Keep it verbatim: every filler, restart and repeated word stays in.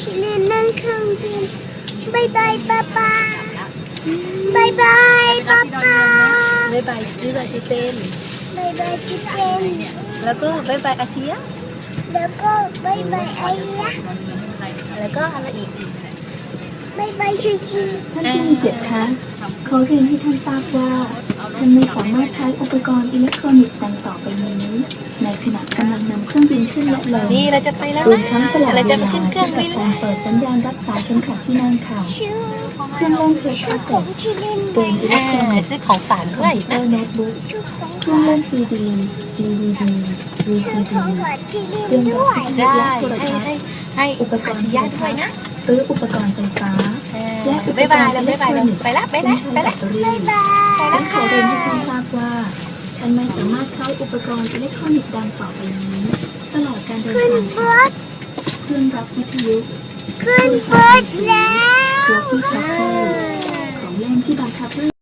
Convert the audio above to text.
ชิลินนั่งเครื่องบินบายบายป้าป้าบายบายป้าป้าบายบายบายบายจีเต้นบายบายพี่เจนแล้วก็บายบายอาเชียแล้วก็บายบายไอ้ยะแล้วก็อะไรอีกบายบายชูชีท่านผู้มีเกียรติคะขอเรียนให้ท่านทราบว่าท่านไม่สามารถใช้อุปกรณ์อิเล็กทรอนิกส์ดังต่อไปนี้ในขณะกำลังนำเครื่องบินขึ้นและลงนี่เราจะไปแล้วรวมนะทั้งตลอดเราเวจะลาไปขึ้นเครื่องบินกาแล้วรเปิดสัญญาณรักษาเข็มขัดที่นั่งค่ะชื่อเครื่องเล่นเพลย์ชื่คาอสขเซ็องตชิลินเกบาม ยอิเล็อ่ากทรอนิกส์ซื้อของฝากคด้อวมยพิวเตอนะร์โน้ตบุ๊กชุดของเครื่องเล่นซีดีดีวีดีวีชื่ซีอขดีองขอชิลินเครื่องด้ดัวบยที่ได้และโทรให้ทัศน์ให้ให้อุปกอารณ์ชียะด้วยนะหรืออุปกรณ์ไฟฟ้าอ่าและอุปบายกบาร ยณ์แล้วอิเล็บาก ยทบายรอแล้วนิกส์ไปละไปซึ่ละงใช้ไปแบละตเตอรี่บายบายฉันขอเรียนให้ท่านทราบว่าฉันไม่สามารถใช้อุปกรณ์อิเล็กทรอนิกส์ดังต่อไปนี้ตลอดการเดินขึ้นทางเบิร์ดเครื่องรับวิทยุขึ้นเบิร์ดแล้วตัวที่ชักโครกของเล่นที่บังคับด้วย